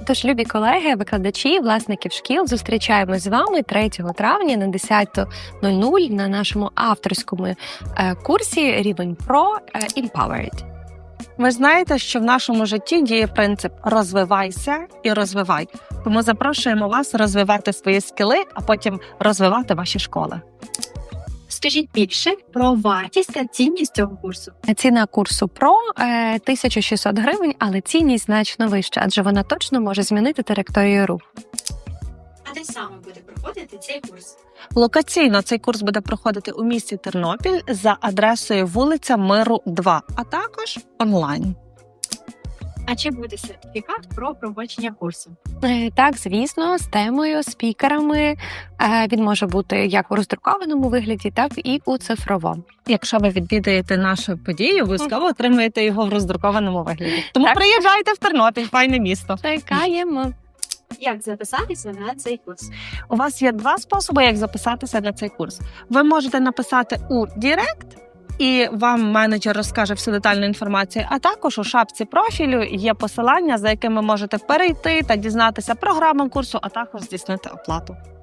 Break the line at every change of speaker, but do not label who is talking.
Тож, любі колеги, викладачі, власників шкіл, зустрічаємось з вами 3 травня на 10:00 на нашому авторському курсі рівень Pro Empowered.
Ви знаєте, що в нашому житті діє принцип «розвивайся і розвивай». Тому запрошуємо вас розвивати свої скіли, а потім розвивати ваші школи.
Скажіть більше про вартість та цінність цього курсу.
Ціна курсу Pro – 1600 гривень, але цінність значно вища, адже вона точно може змінити траєкторію руху.
А де саме буде проходити цей курс?
Локаційно цей курс буде проходити у місті Тернопіль за адресою вулиця Миру, 2, а також онлайн.
А чи буде сертифікат про проходження курсу?
Так, звісно, з темою, спікерами. Він може бути як у роздрукованому вигляді, так і у цифровому.
Якщо ви відвідаєте нашу подію, обов'язково отримаєте його в роздрукованому вигляді. Тому
Так.
приїжджайте в Тернопіль, файне місто.
Чекаємо.
Як записатися на цей курс?
У вас є 2 способи, як записатися на цей курс. Ви можете написати у Директ, і вам менеджер розкаже всю детальну інформацію, а також у шапці профілю є посилання, за якими можете перейти та дізнатися програму курсу, а також здійснити оплату.